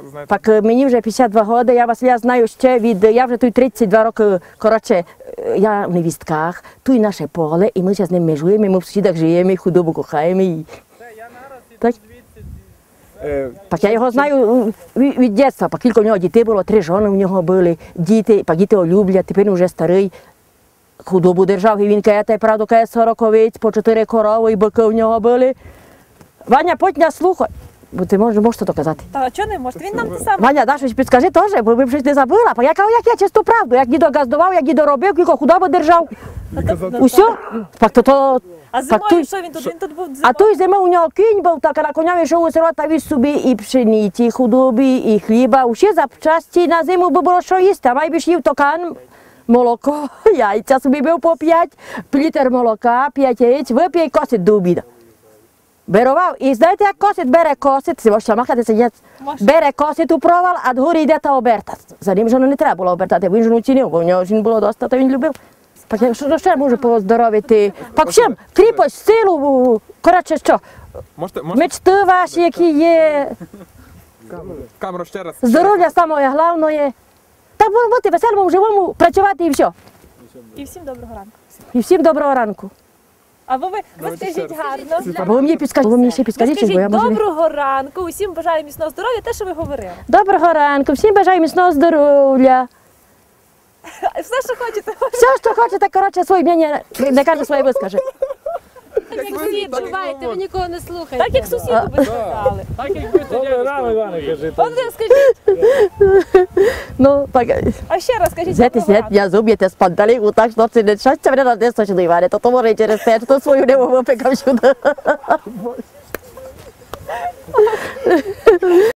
знаєте? Так мені вже 52 роки, я знаю ще я вже тут 32 роки, коротше, я в невістках, тут наше поле, і ми зараз з ним межуємо, ми в сусідах живемо, і худобу кохаємо. Так. Так я його знаю від дитинства, кілька в нього дітей було, 3 жони в нього були, діти, діти його люблять, тепер він вже старий. Худобу держав, і він каже, правду, каже, 40 овець, по 4 корови, і бики в нього були. Ваня, потня слухай, бо ти можеш то казати. Та чого не можете? Він нам те саме. Ваня, да, щось підскажи теж, бо ми щось не забула. Я кажу, як я чисту правду, як дідо газдував, як дідо робив, кілько худобу держав. Усе? А зимою що він тут? Він тут був зимою? А той зимою у нього кінь був, так, а на коня йшов у село та віз собі і пшениці, і худоби, і хліба. Усі запчасті на зиму би було що їсти, а майбіж їв токан, молоко, яйця собі бив по 5, літр молока, 5 яєць, вип'є і косить до обіду. Берував, і знаєте, як косить, бере косить, можете махати сидять, бере косить у провал, а дгорі йде та оберта. За ним жону не треба було обертати, бо він жону цінив, бо в нього жін було доста, то він любив. Так що ще можу поздоровити? Так всім, кріпость, силу, коротше що, мечти ваші, які є, Камеру ще раз. здоров'я саме головне. Так бути веселому, живому, працювати і все. І всім доброго ранку. І всім доброго ранку. А ви скажіть гарно. Або ви мені ще підскажіть, бо я Скажіть можу не... доброго ранку, усім бажаю міцного здоров'я, те, що ви говорили. Доброго ранку, всім бажаю міцного здоров'я. Все, що хочете. Все, що хочете, коротше, своє мнення, не каже своє вискаже. Так як всі відчуваєте, ви нікого не слухаєте. Так, як сусіду би сказали. Так як ви тоді рано, Іване, кажи. От ви скажіть. Ну, так, А ще раз скажіть знаєте, доброго ранку. я зуб'єте з панталіку, так, що це не щастя мене на десь точно, Іване, то то може через те, що свою не випекав сюди.